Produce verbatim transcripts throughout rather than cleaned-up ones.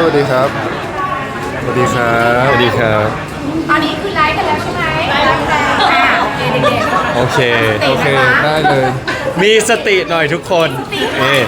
วัสดีครับสวัสดีครับสวัสดีครับตอนนี้คือไลฟ์กันแล้วใช่ไหมไลฟ์แล้วอ่าโอเคเด็กๆโอเคโอเคได้เลยมีสติหน่อยทุกคนเอ๊ะ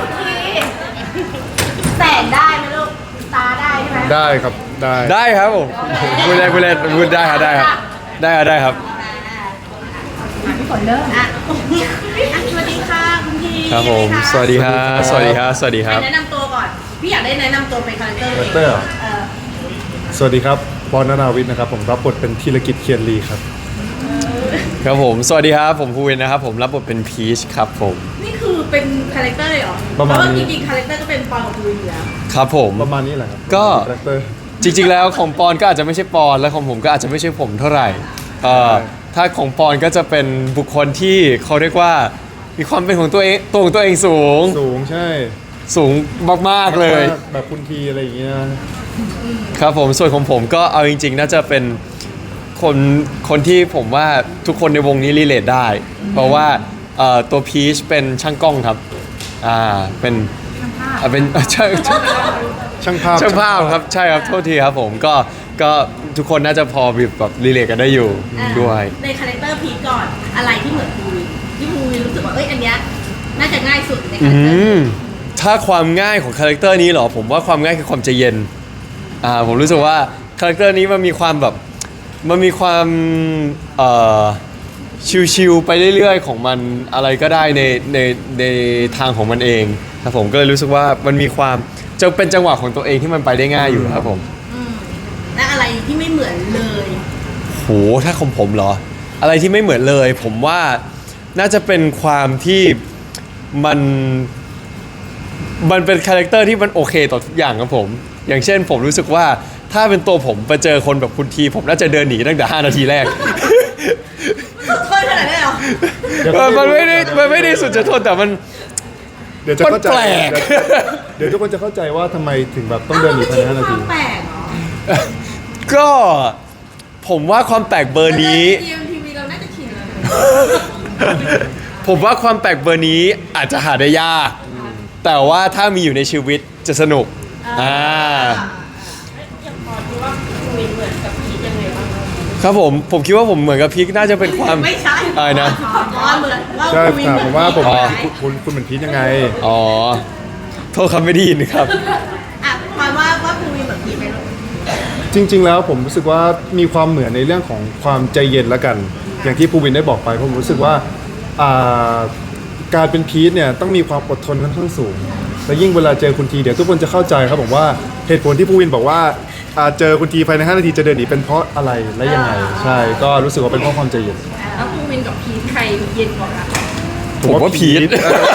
แสงได้ไหมลูกตาได้ใช่ไหมได้ครับได้ได้ครับผมพูดได้พูดได้พูดได้ครับได้ครับได้ครับได้ครับพี่ฝนเริ่มอ่ะสวัสดีค่ะคุณพีครับผมสวัสดีครับสวัสดีครับสวัสดีครับแนะนำตัวก่อน พี่อยากได้แนะนำตัวเป็นคาแรคเตอร์คาแรคเตอร์เหรอเออสวัสดีครับปอนนาวิทย์นะครับผมรับบทเป็นธีรกิจเคียนลีครับครับผมสวัสดีครับผมภูวินนะครับผมรับบทเป็นพีชครับผมนี่คือเป็นคาแรคเตอร์เลยเหรอประมาณเพราะว่านี้จริงๆคาแรคเตอร์ก็เป็นปอนกับภูวินอยู่แล้วครับผมประมาณนี้แหละครับก็คาแรคเตอร์จริงๆแล้วของปอนก็อาจจะไม่ใช่ปอนและของผมก็อาจจะไม่ใช่ผมเท่าไหร่เอ่อใช่ถ้าของปอนก็จะเป็นบุคคลที่เขาเรียกว่ามีความเป็นของตัวเองตัวของตัวเองสูงสูงใช่สูงมากๆเลยแบบคุณทีอะไรอย่างเงี้ยครับผมส่วนของผมก็เอาจริง ๆ น่าจะเป็นคนคนที่ผมว่าทุกคนในวงนี้รีเลทได้ เพราะว่าเอ่อตัวพีชเป็นช่างกล้องครับอ่าเป็นอ่าเป็น ช่างช่างช่างภาพช่างภาพครับใช่ครับโทษทีครับผมก็ก็ทุกคนน่าจะพอแบบรีเลทกันได้อยู่อ่าด้วยในคาแรคเตอร์พีคก่อน อะไรที่เหมือนภูวินที่ภูวินรู้สึกว่า เอ้ย อันเนี้ยน่าจะง่ายสุดในคาอืแรคเตอร์มถ้าความง่ายของคาแรคเตอร์นี้เหรอผมว่าความง่ายคือความใจเย็นอ่าผมรู้สึกว่าคาแรคเตอร์นี้มันมีความแบบมันมีความเอ่อชิวๆไปเรื่อยๆของมันอะไรก็ได้ในในในทางของมันเองครับผมก็เลยรู้สึกว่ามันมีความจะเป็นจังหวะของตัวเองที่มันไปได้ง่ายอยู่ครับผมอืมและอะไรที่ไม่เหมือนเลยโหถ้าของผมเหรอ อะไรที่ไม่เหมือนเลย ผมว่าน่าจะเป็นความที่มันมันเป็นคาแรคเตอร์ที่มันโอเคต่อทุกอย่างครับผม อย่างเช่นผมรู้สึกว่าถ้าเป็นตัวผมไปเจอคนแบบคุณที ผมน่าจะเดินหนีตั้งแต่ห้านาทีแรกสุดทนขนาดนั้นเหรอเดี๋ยวมันมันไม่ได้มันไม่ได้สุดจะทนแต่มันเดี๋ยวจะเข้าใจมันแปลกเดี๋ยวเดี๋ยวทุกคนจะเข้าใจว่าทำไมถึงแบบต้องเดินหนีภายในห้านาทีแปลกเหรอก็ผมว่าความแปลกเบอร์นี้ทีมทีวีเราน่าจะชินแล้วผมว่าความแปลกเบอร์นี้อาจจะหาได้ยาก แต่ว่าถ้ามีอยู่ในชีวิตจะสนุก อ่าอย่างพอที่ว่าภูวินเหมือนกับพีคยังไงบ้างครับผม ผมคิดว่าผมเหมือนกับพีคน่าจะเป็นความไม่ใช่อะไรนะอ๋อเหมือนว่าใช่ภูวินถามเหผมอนว่าผมพีคคุณคุณคุณเหมือนพีทยังไงอ๋อ โทษคำไม่ได้ยินครับอ่ะหมายว่าว่าภูวินเหมือนพีคไหมลูกจริง ๆ แล้วผมรู้สึกว่ามีความเหมือนในเรื่องของความใจเย็นละกัน อย่างที่ภูวินได้บอกไปผมรู้สึกว่าอ่าการเป็นพีทเนี่ยต้องมีความอดทนค่อนข้างสูง และยิ่งเวลาเจอคุณทีเดี๋ยวทุกคนจะเข้าใจครับผมว่าเหตุผลที่ภูวินบอกว่าอ่าเจอคุณทีภายในห้านาทีจะเดินหนีเป็นเพราะอะไรและยังไง ใช่ก็รู้สึกว่าเป็นเพราะความใจเย็นแล้วภูวินกับพีคใครเย็นกว่ากันผมว่าพีท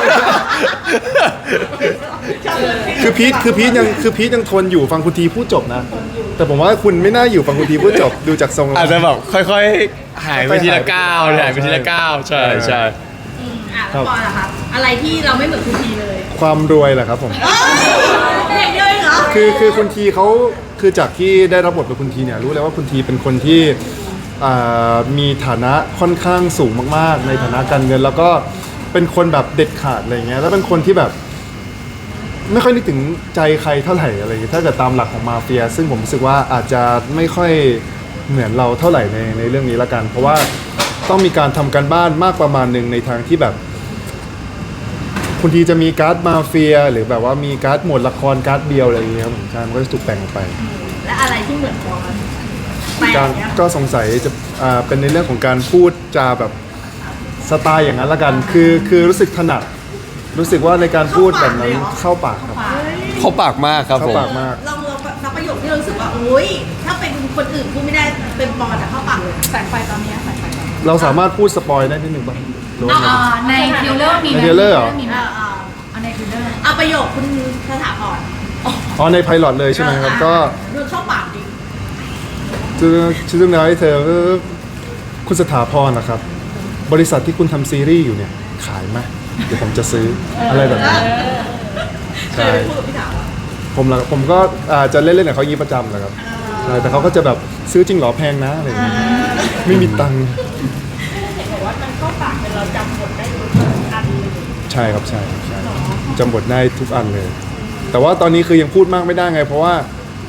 คือพีทคือพีทยังคือพีทยังทนอยู่ฟังคุณทีพูดจบนะ แต่ผมว่าคุณไม่น่าอยู่ฟังคุณทีพูดจบดูจากทรงแล้วอาจจะแบบค่อยๆ หายไปทีละก้าวหายไปทีละก้าวใช่ใช่อืมอ่ะแล้วปอล่ะครับอะไรที่เราไม่เหมือนคุณทีเลยความรวยแหละครับผมอย่างเดียวเองเหรอคือคือคุณทีเขาคือจากที่ได้รับบทเป็นคุณทีเนี่ยรู้แล้วว่าคุณทีเป็นคนที่อ่ามีฐานะค่อนข้างสูงมากๆ ในฐานะการเงิน แล้วก็เป็นคนแบบเด็ดขาดอะไรเงี้ยแล้วเป็นคนที่แบบ ไม่ค่อยนึกถึงใจใครเท่าไหร่อะไรอย่างเงี้ยถ้าเกิดตามหลักของมาเฟีย ซึ่งผมรู้สึกว่าอาจจะไม่ค่อยเหมือนเราเท่าไหร่ในในเรื่องนี้ละกัน เพราะว่าต้องมีการทำการบ้านมากประมาณหนึ่งในทางที่แบบ คุณทีจะมีการ์ดมาเฟีย หรือแบบว่ามีการ์ดหมวดละครการ์ดเดียวอะไรอย่างเงี้ยครับผมใช่มันก็จะถูกแบ่งออกไปและอะไรที่เหมือนปอแปลการกเนี่ยก็สงสัยจะอ่าเป็นในเรื่องของการพูดจาแบบสไตล์อย่างนั้นละกัน คือคือรู้สึกถนัด รู้สึกว่าในการพูดแบบนั้นเข้าปากครับเขาปากมากครับเข้าผมปากมากลองลองสักประโยคที่เรารู้สึกว่าโอ๊ยถ้าเป็นคนอื่นพูดไม่ได้เป็นปอแต่เข้าปากเลยแสงไฟตอนนี้แสงไฟตอนนี้เราสามารถพูดสปอยได้นิดหนึ่งป่ะหรือว่าไงอ่าในทริลเลอร์มีไหมใน trailer เหรอมีไหมอ่าอ่าเอาในทริลเลอร์เอาประโยคคุณสถาพรอ๋อในไพลอตเลยใช่ไหมครับ ก็ดูเข้าปากดิชื่อชื่อเรื่องอะไรเธอเออคุณสถาพรนะครับ บริษัทที่คุณทำซีรีส์อยู่เนี่ย ขายไหมเดี๋ยวผมจะซื้ออะไรแบบนี้เคยไปพูดกับพี่ถามว่าผมละผมก็อาจจะเล่นๆกับเขาอยางนี้ประจำแหละครับใช่แต่เขาก็จะแบบซื้อจริงเหรอแพงนะอะไรอย่างเงี้ยไม่มีตังค์เห็นบอกว่ามันเข้าปากเป็นเราจำบทได้ทุกอันเลยใช่ครับใช่ครับใช่จำบทได้ทุกอันเลย แต่ว่าตอนนี้คือยังพูดมากไม่ได้ไง เพราะว่า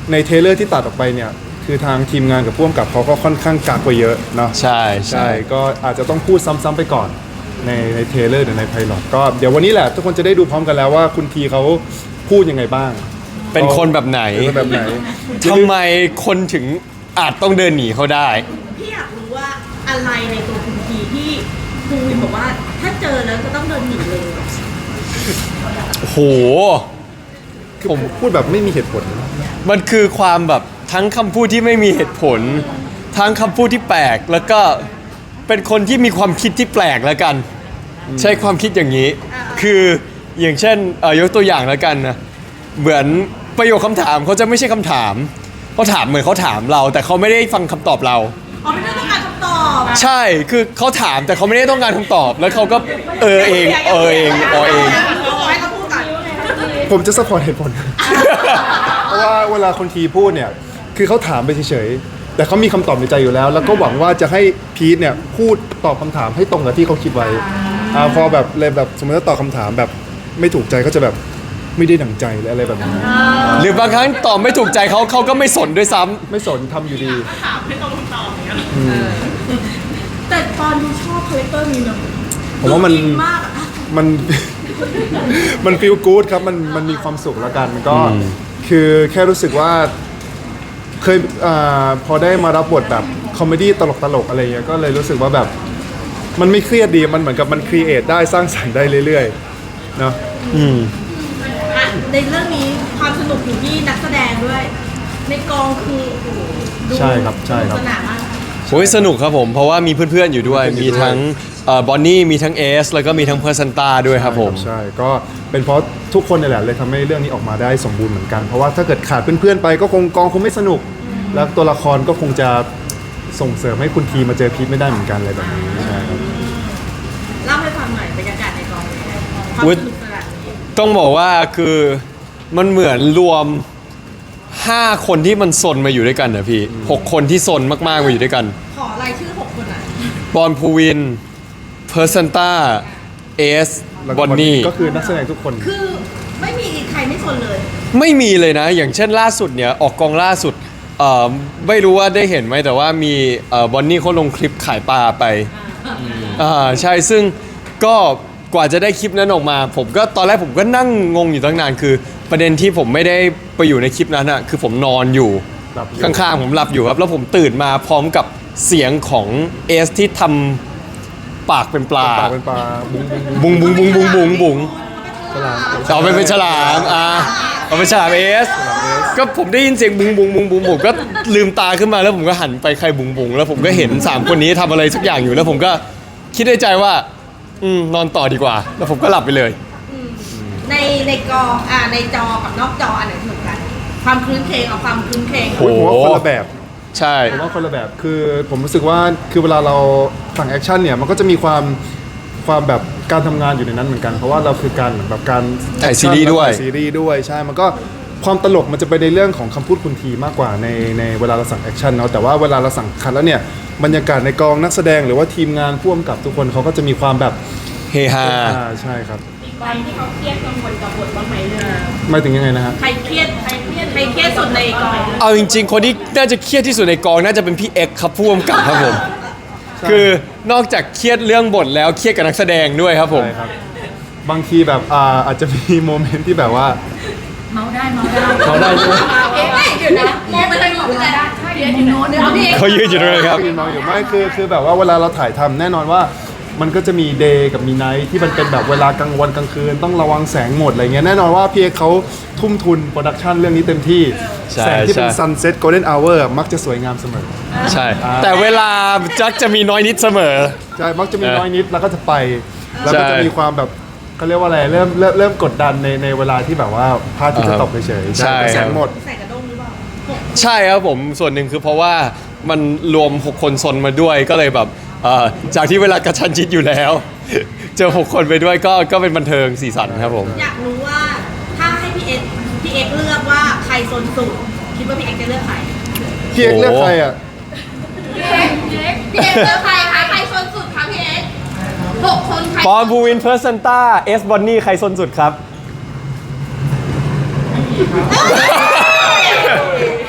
ในเทรลเลอร์ที่ตัดออกไปเนี่ยคือทางทีมงานกับผู้กำกับเขาก็ค่อนข้างกักไว้เยอะเนาะใช่ใช่ใช่ก็อาจจะต้องพูดซ้ำๆไปก่อนในในเทรลเลอร์หรือในไพลอตก็เดี๋ยววันนี้แหละทุกคนจะได้ดูพร้อมกันแล้วว่าคุณทีเขาพูดยังไงบ้างเป็นคนแบบไหนเป็นคนแบบไหนทำไมคนถึงอาจต้องเดินหนีเขาได้พี่อยากรู้ว่าอะไรในตัวคุณทีที่ภูวินบอกว่าถ้าเจอแล้วจะต้องเดินหนีเลยโหคือผมพูดแบบไม่มีเหตุผลมันคือความแบบทั้งคำพูดที่ไม่มีเหตุผล ทั้งคำพูดที่แปลก แล้วก็เป็นคนที่มีความคิดที่แปลกแล้วกัน ใช้ความคิดอย่างนี้ คืออย่างเช่นเอ่อยกตัวอย่างแล้วกันนะเหมือนประโยคคำถามเขาจะไม่ใช่คำถามเขาถามเหมือนเขาถามเรา แต่เขาไม่ได้ฟังคำตอบเราอ๋อไม่ได้ต้องการคำตอบใช่คือเขาถามแต่เขาไม่ได้ต้องการคำตอบ แล้วเขาก็เออเองเออเองเออเองให้เขาพูดก่อนผมจะสปอร์ตเหตุผล เพราะว่าเวลาคนทีพูดเนี่ยคือเขาถามไปเฉยๆแต่เขามีคำตอบในใจอยู่แล้ว แล้วก็หวังว่าจะให้พีทเนี่ยพูดตอบคำถามให้ตรงกับที่เขาคิดไว้อ่าพอแบบเลยแบบสมมติว่าตอบคำถามแบบไม่ถูกใจก็จะแบบไม่ได้ดั่งใจหรืออะไรแบบนี้หรือบางครั้งตอบไม่ถูกใจเขาเขาก็ไม่สนด้วยซ้ำไม่สนทำอยู่ดีถามให้ตรงคำตอบอย่างเงี้ยแต่ตอนดูชอบคาแรคเตอร์นี้เนอะผมว่ามันดูอิมากอะมัน มันฟีลกู๊ดครับมันมันมีความสุขแล้วกันก็อืมคือแค่รู้สึกว่าเคยอาพอได้มารับบทแบบคอมเมดี้ตลกๆอะไรเงี้ยก็เลยรู้สึกว่าแบบมันไม่เครียดดีมันเหมือนกับมันครีเอทได้สร้างสรรค์ได้เรื่อยๆเนาะอืมอ่ะในเรื่องนี้ความสนุกอยู่ที่นักแสดงด้วย ในกองคือโอ้โหดูใช่ครับใช่ครับสนานมากโอ้ยสนุกครับผม เพราะว่ามีเพื่อนๆอยู่ด้วยมีมีเพื่อนอยู่ด้วยทั้งบอนนี่มีทั้งเอสแล้วก็มีทั้งเพอร์ซันตาด้วยครับผมใช่ก็เป็นเพราะทุกคนนี่แหละเลยทำให้เรื่องนี้ออกมาได้สมบูรณ์เหมือนกัน เพราะว่าถ้าเกิดขาดเพื่อนๆไปก็คงกองคงไม่สนุก แล้วตัวละครก็คงจะส่งเสริมให้คุณทีมาเจอพีทไม่ได้เหมือนกันอะไรแบบนี้ใช่ครับเล่าให้ฟังหน่อยบรรยากาศในกองเป็นยังไงความอุ๊ยสนุกสนานนี้ต้องบอกว่าคือมันเหมือนรวม ห้า คนที่มันซนมาอยู่ด้วยกันนะพี่หกคนที่ซนมากๆมาอยู่ด้วยกันขอรายชื่อหกคนอ่ะบอลพูวินเพอร์ซันตาเอสแล้วบก็อนนี่ก็คือนักแสดงทุกคนคือไม่มีใครไม่สนเลยไม่มีเลยนะ อย่างเช่นล่าสุดเนี่ย ออกกองล่าสุดเอ่อไม่รู้ว่าได้เห็นไหมแต่ว่ามีบอนนี่เขาลงคลิปขายปลาไปอ่าใช่ซึ่งก็กว่าจะได้คลิปนั้นออกมา ผมก็ตอนแรกผมก็นั่งงงอยู่ตั้งนานคือ ประเด็นที่ผมไม่ได้ไปอยู่ในคลิปนั้นอะคือผมนอนอยู่หลับอยู่ข้างๆผมหลับอยู่ครับแล้วผมตื่นมาพร้อมกับเสียงของเอสที่ทำปากเป็นปลาปากเป็นปลาบุ้งบุ้งบุงบุงบุงบุงบุงบุงฉลามเอาไปเป็นฉลามอ่ะเอาไปฉลามเอสก็ผมได้ยินเสียงบุงบุงบุงบุงผมก็ลืมตาขึ้นมาแล้วผมก็หันไปใครบุงบุงแล้วผมก็เห็นสามคนนี้ทำอะไรสักอย่างอยู่แล้วผมก็คิดในใจว่าอืมนอนต่อดีกว่า แล้วผมก็หลับไปเลยในในกออ่าในจอกับนอกจออันไหนสนุกกัน ความคลื้นเครงเอาความคลื้นเครงโอ้โอ้ยผมว่าคนละแบบใช่ผมว่าคนละแบบคือผมรู้สึกว่าคือเวลาเราฝั่งแอคชั่นเนี่ยมันก็จะมีความความแบบการทำงานอยู่ในนั้นเหมือนกัน เพราะว่าเราคือการเหมือนแบบการถ่ายซีรีส์ด้วยถ่ายซีรีส์ด้วยใช่มันก็ความตลกมันจะไปในเรื่องของคำพูดคุณทีมากกว่าในในเวลาเราสั่งแอคชั่นเนาะแต่ว่าเวลาเราสั่งคัดแล้วเนี่ยบรรยากาศในกองนักแสดงหรือว่าทีมงานพ่วงกับทุกคนเขาก็จะมีความแบบเฮฮาอ่าใช่ครับอีกใบที่เขาเครียดกังวลกับบทบ้างไหมเนี่ยไม่ถึงยังไงนะฮะใครเครียดใครเครียดใครเครียดสุดในกองเอาจริงๆ คนที่น่าจะเครียดที่สุดในกองน่าจะเป็นพี่เอ็กซ์ครับผู้กำกับครับผม คือนอกจากเครียดเรื่องบทแล้วเครียดกับนักแสดงด้วยครับผมใช่ครับบางทีแบบอ่าอาจจะมีโมเมนต์ที่แบบว่าเมาได้เมาได้เมาได้ใช่ไหมเอ๊ะเดี๋ยวนะมองไปทางนู้นเลยนะเดี๋ยวอยู่โน้นเดี๋ยวพี่เขายืนอยู่ตรงนั้นครับยืนมองอยู่ไม่คือคือแบบว่าเวลาเราถ่ายทำแน่นอนว่ามันก็จะมีเดย์กับมีไนท์ที่มันเป็นแบบเวลากลางวันกลางคืนต้องระวังแสงหมดอะไรเงี้ยแน่นอนว่าพี่เอกเขาทุ่มทุนโปรดักชันเรื่องนี้เต็มที่ใช่แสงที่เป็นใช่ซันเซ็ตโกลเด้นอเวอร์มักจะสวยงามเสมอใช่ แต่เวลาจักจะมีน้อยนิดเสมอใช่มักจะมีเออน้อยนิดแล้วก็จะไป แล้วก็ใช่จะมีความแบบเขาเรียกว่าอะไรเริ่มเริ่มเริ่มกดดันในในเวลาที่แบบว่าพระอาทิตย์จะตกเฉยๆใช่แต่แสงหมดใส่กระด้งหรือเปล่าใช่ครับผมส่วนหนึ่งคือเพราะว่ามันรวมหกคนซนมาด้วยก็เลยแบบเอ่อจากที่เวลากระชันชิดอยู่แล้ว เจอหกคนไปด้วยก็ก็เป็นบันเทิงสีสันครับผมอยากรู้ว่าถ้าให้พี่เอ็กซ์พี่เอ็กซ์เลือกว่าใครโซนสุดคิดว่าพี่เอ็กซ์จะเลือกใครพี่เอกเลือกใครอ่ะพี่เอ็กพี่เอ็กพี่เอ็กซ์เลือกใครคะใครโซนสุดคะพี่เอ็กซ์หกคนใครปอนบูวินเพอร์ซันต้าเอสบอนนี่ใครซนสุดครับเ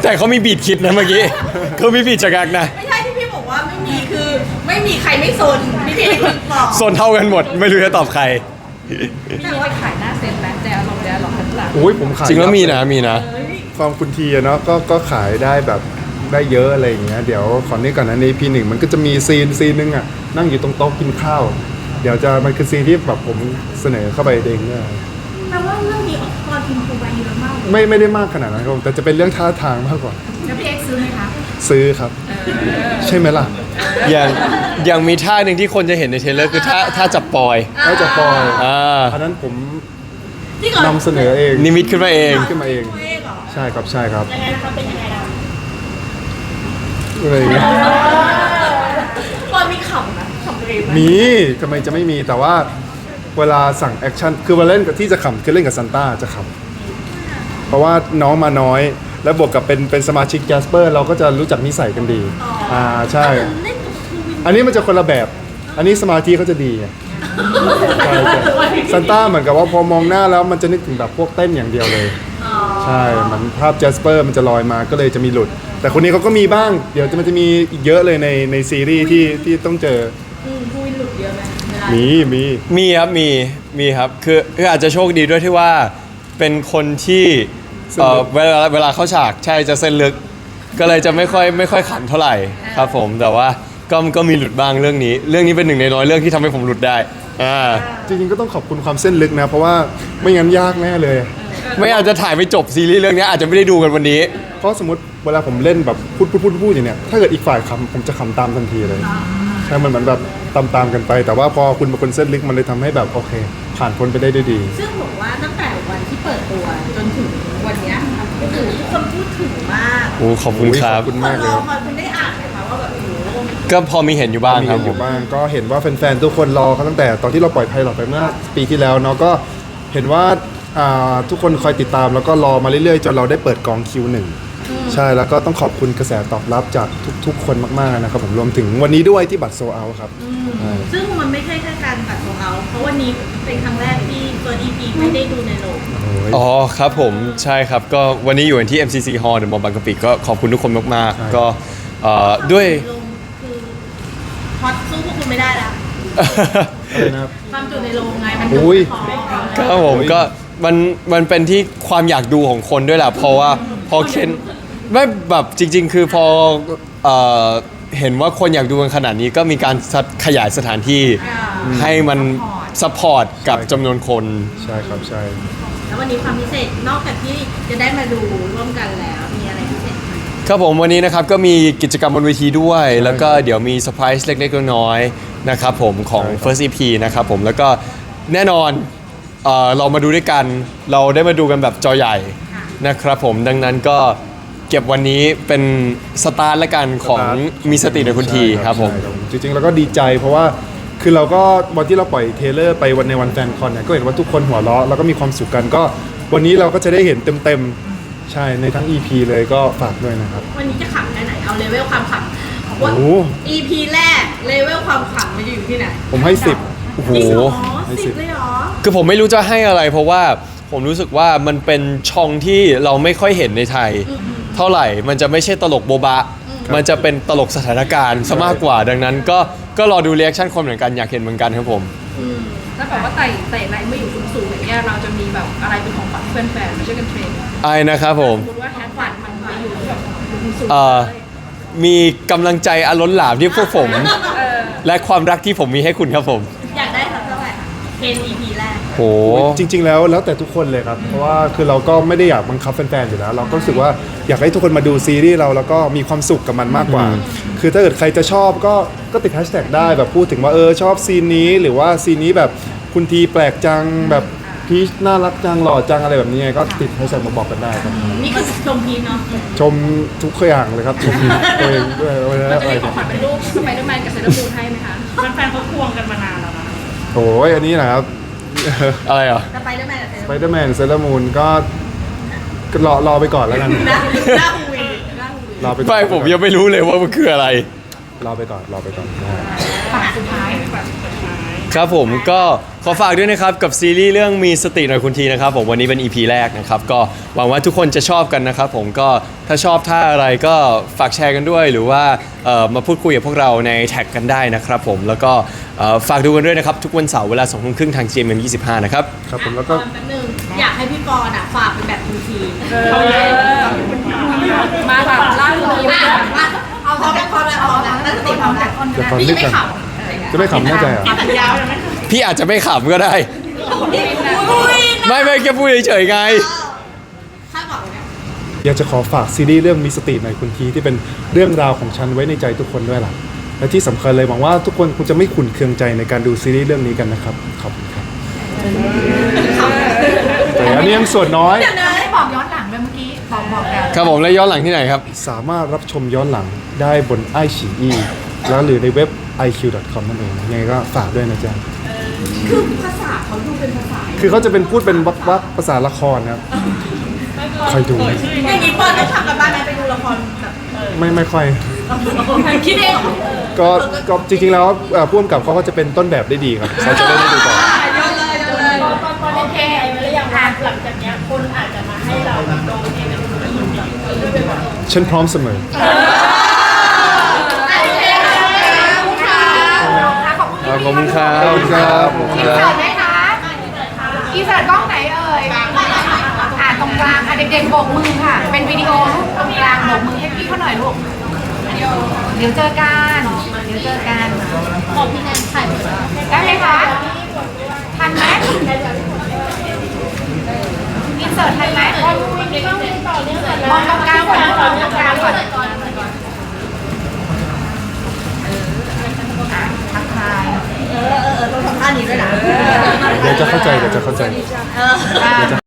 แต่เขามีบีดคิดนะเมื่อกี้เขามีบีดจักรักนะไม่ใช่ที่พี่บอกว่าไม่มีคือไม่มีใครไม่สนพี่พี่บอกโซนเท่ากันหมด ไม่รู้จะตอบใครพี่ว่าขายหน้าเซ็นแบนแดร์ลองแดร์ลองข้างหลังโอ้ยผมขายจริงแล้วมีนะมีนะความคุณทีอะเนาะก็ก็ขายได้แบบได้เยอะอะไรอย่างเงี้ยเดี๋ยวขอนี้ก่อนนะในพีหนึ่งมันก็จะมีซีนซีนนึงอ่ะนั่งอยู่ตรงโต๊ะกินข้าว เดี๋ยวจะมันคือซีนที่แบบผมเสนอเข้าไปเองเนี่ยแปลว่าเรื่องนี้ออกตอนทีมครูไปเยอะมากไม่ไม่ได้มากขนาดนั้นครับผมแต่จะเป็นเรื่องท่าทางมากกว่าแล้วพี่เอ็กซ์ซื้อไหมคะซื้อครับ ใช่ไหมล่ะอย่างอย่างมีท่าหนึ่งที่คนจะเห็นในเทรลเลอร์คือท่าท่าจับปอยน่าจะปล่อยอ่าอันนั้นผมที่ก่อนนำเสนอเองนิมิตขึ้นมาเองขึ้นมาเองตัวเองเหรอใช่ครับใช่ครับยังไงนะคะเป็นยังไงนะอะไรอย่างเงี้ยตอนมีขำนะขำตัวเองไหมมีทำไมจะไม่มีแต่ว่าเวลาสั่งแอคชั่นคือเวลาเล่นกับที่จะขำคือเล่นกับซันต้าจะขำเพราะว่าน้องมาน้อย แล้วบวกกับเป็นเป็นสมาชิกแจสเปอร์เราก็จะรู้จักนิสัยกันดีอ่าใช่เล่นกับครูวินอันนี้มันจะคนละแบบ อันนี้สมาธิเขาจะดีไงใช่ใช่ซันต้าเหมือนกับว่าพอมองหน้าแล้วมันจะนึกถึงแบบพวกเต้นอย่างเดียวเลย ใช่เหมือนภาพแจสเปอร์มันจะลอยมาก็เลยจะมีหลุด แต่คนนี้เขาก็มีบ้าง เดี๋ยวจะมันจะมีอีกเยอะเลยในในซีรีส์ที่ที่ต้องเจออืมครูวินหลุดเยอะไหมเวลามีมีมีครับมีมีครับคือคืออาจจะโชคดีด้วยที่ว่าเป็นคนที่เอ่อเวลาเวลาเข้าฉากใช่จะเส้นลึก ก็เลยจะไม่ค่อยไม่ค่อยขันเท่าไหร่ครับผมแต่ว่าก็ก็มีหลุดบ้างเรื่องนี้ เรื่องนี้เป็นหนึ่งในน้อยเรื่องที่ทำให้ผมหลุดได้อ่าจริงๆก็ต้องขอบคุณความเส้นลึกนะ เพราะว่าไม่งั้นยากแน่เลยไม่อาจจะถ่ายไม่จบซีรีส์เรื่องนี้อาจจะไม่ได้ดูกันวันนี้เพราะสมมติเวลาผมเล่นแบบพูดพูดพูดพูดอย่างเนี้ยถ้าเกิดอีกฝ่ายขำผมจะขำตามทันทีเลยใช่มันเหมือนแบบตามตามๆกันไป แต่ว่าพอคุณเป็นคนเส้นลึกมันเลยทำให้แบบโอเค ผ่านพ้นไปได้ด้วยดีซึ่งบอกว่าตั้งแต่วันที่เปิดตัวจนถึงวันเนี้ยก็คือทุกคนพูดถึงมากโอ้ขอบคุณครับขอบคุณมากเลยรอคอยคุณได้อ่านไหมคะว่าแบบโอ้โหก็พอมีเห็นอยู่บ้างมีครับอผยู่มบ้างก็เห็นว่าแฟนๆทุกคนรอเขาตั้งแต่ตอนที่เราปล่อยไพลอตไปเมื่อปีที่แล้วเนาะก็เห็นว่าอ่าทุกคนคอยติดตามแล้วก็รอมาเรื่อยๆจนเราได้เปิดกองคิวหนึ่งใช่แล้วก็ต้องขอบคุณกระแสตอบรับจากทุกๆ คนมากๆนะครับผมรวมถึงวันนี้ด้วยที่บัตรโซเอาครับใช่ซึ่งมันไม่ใช่แค่การตัดของเขาเพราะวันนี้เป็นครั้งแรกที่เฟิร์สอีพีไม่ได้ดูในโรงโอ้ยอ๋อครับผมใช่ครับก็วันนี้อยู่ที่ เอ็ม ซี ซี Hall เดอะมอลล์บางกะปิก็ขอบคุณทุกคนมากใช่ๆก็เอ่อด้วยโรงคือฮอตสู้พวกคุณไม่ได้ละอะไรนะครับความจุในโรงไงมันโอ้ยพอครับผมก็มันมันเป็นที่ความอยากดูของคนด้วยแหละเพราะว่าพอเคนไม่แบบจริง ๆ คือพอเอ่อเห็นว่าคนอยากดูกันขนาดนี้ก็มีการขยายสถานที่ให้มันซัพพอร์ตกับจำนวนคนใช่ครับใช่แล้ววันนี้ความพิเศษนอกจากที่จะได้มาดูร่วมกันแล้วมีอะไรพิเศษไหมครับผมวันนี้นะครับก็มีกิจกรรมบนเวทีด้วย แล้วก็เดี๋ยวมีเซอร์ไพรส์เล็กๆน้อยๆนะครับผมของ First อี พี นะครับผมแล้วก็แน่นอนเอ่อเรามาดูด้วยกัน เราได้มาดูกันแบบจอใหญ่นะครับผมดังนั้นก็เก็บวันนี้เป็นสตาร์ทละกันของมีสติในคุณทีใช่ครับผมใช่จริงๆเราก็ดีใจเพราะว่าคือเราก็วันที่เราปล่อยเทรลเลอร์ไปวันในวันแฟนคอนเนี่ยก็เห็นว่าทุกคนหัวเราะแล้วก็มีความสุขกันก็วันนี้เราก็จะได้เห็นเต็มๆใช่ในทั้ง อี พี เลยก็ฝากด้วยนะครับวันนี้จะขำแค่ไหนเอาเลเวลความขำว่าโอ้อีพีแรกเลเวลความขำมันจะอยู่ที่ไหนผมให้สิบโอ้โหจริงเหรอให้สิสิบบ เลยเหรอคือผมไม่รู้จะให้อะไร เพราะว่าผมรู้สึกว่ามันเป็นช่องที่เราไม่ค่อยเห็นในไทย เท่าไหร่มันจะไม่ใช่ตลกโบบะ มันจะเป็นตลกสถานการณ์ซะมากกว่า ดังนั้นก็ก็รอดูเรีแอคชั่นคนเหมือนกันอยากเห็นเหมือนกันครับผมถ้าแบบว่าไต่ไต่ไลน์ไม่อยู่สูงๆอย่างเงี้ยเราจะมีแบบอะไรเป็นของขวัญเพื่อนแฟนมาช่วยกันเทรนไอ้นะครับผมสมมติว่าแฮชฝันมันมาอยู่แบบสูงเอ่อมีกำลังใจอล้นหลามที่พวกผมเออและความรักที่ผมมีให้คุณครับผมอยากได้สักเท่าไหร่คะเคนอีพีแรกโหจริง ๆ แล้วแล้วแต่ทุกคนเลยครับ เพราะว่าคือเราก็ไม่ได้อยากบังคับแฟนๆอยู่แล้ว เราก็รู้สึกว่าอยากให้ทุกคนมาดูซีรีส์เราแล้วก็มีความสุขกับมันมากกว่า คือถ้าเกิดใครจะชอบก็ก็ติดแฮชแท็กได้แบบพูดถึงว่าเออชอบซีนนี้หรือว่าซีนนี้แบบคุณทีแปลกจังแบบพีชน่ารักจังหล่อจังอะไรแบบนี้ไงก็ติดแฮชแท็กมาบอกกันได้ครับนี่คือชมพีชเนาะชมทุกอย่างเลยครับชมตัวเองด้วยว่าเราจะอะไรมีของขวัญเป็นรูปสไปเดอร์แมนกับเซเลอร์มูนให้ไหมคะแฟนๆเขาควงกันมานานแล้วนะโอ้ยอันนี้นะครับอะไรอ่ะสไปเดอร์แมนกับเซสไปเดอร์แมนเซเลอร์มูนก็ก็รอรอไปก่อนแล้วกันหน้าหน้าหูยหน้าหูยรอไปก่อนไม่ผมยังไม่รู้เลยว่ามันคืออะไรรอไปก่อนรอไปก่อนฝากสุดท้ายฝากครับผมก็ขอฝากด้วยนะครับกับซีรีส์เรื่องมีสติหน่อยคุณทีนะครับผมวันนี้เป็น อี พี แรกนะครับก็หวังว่าทุกคนจะชอบกันนะครับผมก็ถ้าชอบท่าอะไรก็ฝากแชร์กันด้วย หรือว่าเอ่อมาพูดคุยกับพวกเราในแท็กกันได้นะครับผมแล้วก็เอ่อฝากดูกันด้วยนะครับทุกวันเสาร์เวลาสองทุ่มครึ่งทาง จี เอ็ม เอ็ม ยี่สิบห้านะครับครับผมแล้วก็แป๊บนึงอยากให้พี่ปอนอ่ะฝากเป็นแบบทีทีมาแบบล่าสุดนี้อ่ะมาเอาพร้อมแล้วพร้อมแล้วพร้อมแล้วตั้งสติพร้อมแล้วเดี๋ยวก่อนนี่นึกไม่ก่อนขับจะไม่ขำแน่ใจเหรอสัญญาไหมพี่อาจจะไม่ขำก็ได้อุ้ยไม่ไม่แค่พูดเฉยๆไงคาดหวังไหมอยากจะขอฝากซีรีส์เรื่องมีสติหน่อยคุณทีที่เป็นเรื่องราวของฉันไว้ในใจทุกคนด้วยล่ะและที่สำคัญเลยหวังว่าทุกคนคงจะไม่ขุ่นเคืองใจในการดูซีรีส์เรื่องนี้กันนะครับขอบคุณครับแต่อันนี้ยังส่วนน้อยได้บอกย้อนหลังด้วยเมื่อกี้บอกบอกแล้วครับผมแล้วย้อนหลังที่ไหนครับสามารถรับชมย้อนหลังได้บนไอฉีอีแล้วหรือในเว็บ ไอ คิว ดอท คอม นั่นเองยังไงก็ฝากด้วยนะจ๊ะคือภาษาเขาดูเป็นภาษาคือเขาจะเป็นพูดเป็นวักวักภาษาละครครับคอยดูนะอย่างนี้ปอนต้องทำกันบ้านไหมไปดูละครแบบไม่ไม่ค่อยคิดเองเหรอก็ก็จริงๆแล้วเอ่อผู้กำกับเขาก็จะเป็นต้นแบบได้ดีครับเขาจะได้ได้ดูต่อเยอะเลยเยอะเลยโอเคไว้หรือยังว่าหลังจากเนี้ยคนอาจจะมาให้เราแบบลงเองเป็นคนอื่นแบบด้วยไปหมดฉันพร้อมเสมอขอบคุณค่ะขอบคุณครับขอบคุณครับอินเสิร์ตไหมคะอินเสิร์ตกล้องไหนเอ่ยอ่าตรงกลางอ่ะเด็กๆโบกมือค่ะ เป็นวิดีโอลูกตรงกลางโบกมือให้พี่เขาหน่อยลูกเดี๋ยวเจอกันเดี๋ยวเจอกันบอกพี่แนนถ่ายหมดแล้วได้ไหมคะทันไหมอินเสิร์ตทันไหมมองตรงกลางก่อนมองตรงกลางก่อนอ่ะทักทายเออเออเออต้องทำท่านี้ด้วยนะเดี๋ยวจะเข้าใจเดี๋ยวจะเข้าใจเอออ่า